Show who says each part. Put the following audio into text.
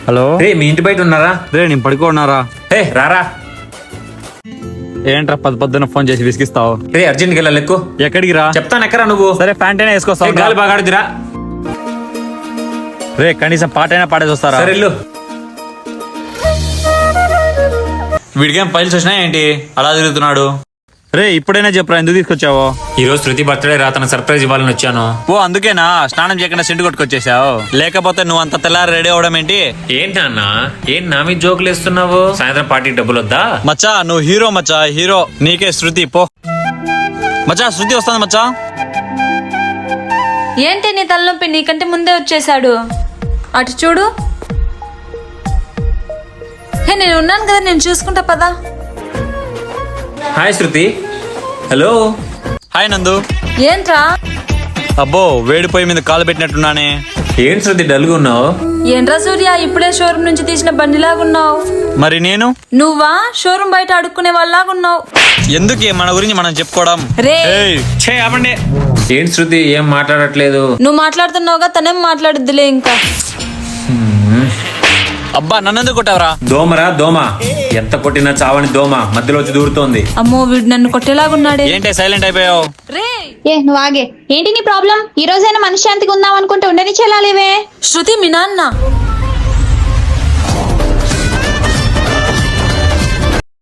Speaker 1: Hello
Speaker 2: రే మీ ఇంటి బయట ఉన్నారా?
Speaker 1: రే నేను పడుకోన్నారా?
Speaker 2: హే రారా.
Speaker 1: ఏంట్రా పొద్దున్న ఫోన్ చేసి విసిగిస్తావు?
Speaker 2: రే అర్జెంట్కి వెళ్ళాలి, ఎక్కు.
Speaker 1: ఎక్కడికి రా?
Speaker 2: చెప్తాను ఎక్కరా నువ్వు.
Speaker 1: సరే ప్యాంట్ అయినా వేసుకొస్తావు.
Speaker 2: గాలి బాగా ఆడుదిరా.
Speaker 1: రే కనీసం పాట అయినా పాడేసి వస్తారా?
Speaker 2: సరే వెళ్ళు.
Speaker 1: వీడికేం ఫైల్స్ వచ్చినాయి ఏంటి అలా తిరుగుతున్నాడు? రే ఇప్పుడైనా చెప్పరా ఎందుకు తీసుకొచ్చావు?
Speaker 2: ఈ రోజు శృతి బర్త్డే రా, తన సర్ప్రైజ్ ఇవ్వాలని వచ్చాను.
Speaker 1: ఓ అందుకేనా స్నానం చేయకుండా సెంటు కొట్టుకొచ్చేసావు? లేకపోతే నువ్వు అంత తెల్లారి రెడీ అవడం ఏంటి?
Speaker 2: ఏంటి నాన్న, ఏంటి నా మీద జోకులు వేస్తున్నావు? సాయంత్రం పార్టీకి డబ్బులు వద్దా?
Speaker 1: మచ్చా నువ్వు హీరో మచ్చా, హీరో. నీకే శృతి పో. మచ్చా శృతి వస్తుంది మచ్చా.
Speaker 3: ఏంటి నీ తలనొప్పి? నీకంటే ముందే వచ్చేసాడు. అటు చూడు. హే నేను ఉన్నాను కదా, నేను చూసుకుంటా పదా.
Speaker 2: హాయ్ శృతి. హలో.
Speaker 1: హాయ్ నందు.
Speaker 3: ఏంట్రా?
Speaker 1: అబ్బో వేడి పొయ్యి మీద కాలు పెట్టినట్టున్నానే.
Speaker 2: ఏంటి శృతి డల్గా ఉన్నావు?
Speaker 3: ఏంట్రా సూర్య, ఇప్పుడే షోరూమ్ నుంచి తీసిన బండిలాగున్నావు.
Speaker 1: మరి నేను?
Speaker 3: నువ్వా షోరూమ్ బయట అడుక్కునే వాళ్ళలాగున్నావు.
Speaker 1: ఎందుకే మన గురించి మనం చెప్పుకోవడం?
Speaker 3: రే
Speaker 1: ఆపండి.
Speaker 2: ఏంటి శృతి ఏం మాట్లాడట్లేదు?
Speaker 3: నువ్వు మాట్లాడుతున్నావుగా, తనేం మాట్లాడుద్దిలే ఇంకా.
Speaker 1: అబ్బా నన్నెందుకు కొట్టావరా?
Speaker 2: దోమరా దోమ, ఎంత కొట్టినా చావని దోమ మధ్యలో వచ్చి దూరుతోంది.
Speaker 3: అమ్మో వీడు నన్ను కొట్టేలాగున్నాడే.
Speaker 1: ఏంటే సైలెంట్ అయిపోయావు?
Speaker 3: రే
Speaker 4: నువ్వు ఆగే. ఏంటి నీ ప్రాబ్లం? ఈ రోజైనా మనశ్శాంతిగా ఉందాం అనుకుంటే ఉండని చెల్లాలేవే.
Speaker 3: శృతి మీ నాన్న.